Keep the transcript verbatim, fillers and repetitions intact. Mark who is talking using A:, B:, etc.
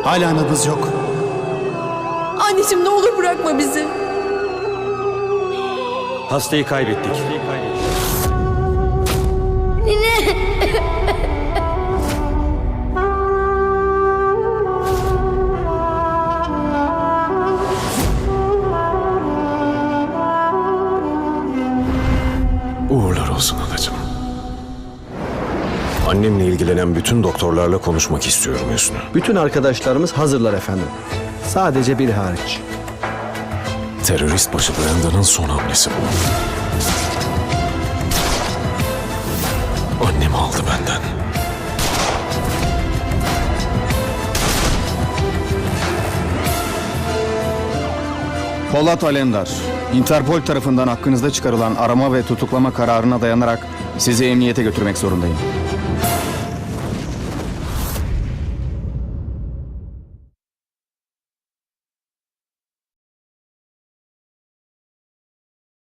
A: Hala nabız yok.
B: Anneciğim ne olur bırakma bizi.
C: Hastayı kaybettik.
D: Uğurlar olsun anacığım. Annemle ilgilenen bütün doktorlarla konuşmak istiyorum Hüsnü.
E: Bütün arkadaşlarımız hazırlar efendim. Sadece bir hariç.
D: Terörist başı Brandon'ın son hamlesi bu. Annemi aldı benden.
A: Polat Alemdar, Interpol tarafından hakkınızda çıkarılan arama ve tutuklama kararına dayanarak sizi emniyete götürmek zorundayım.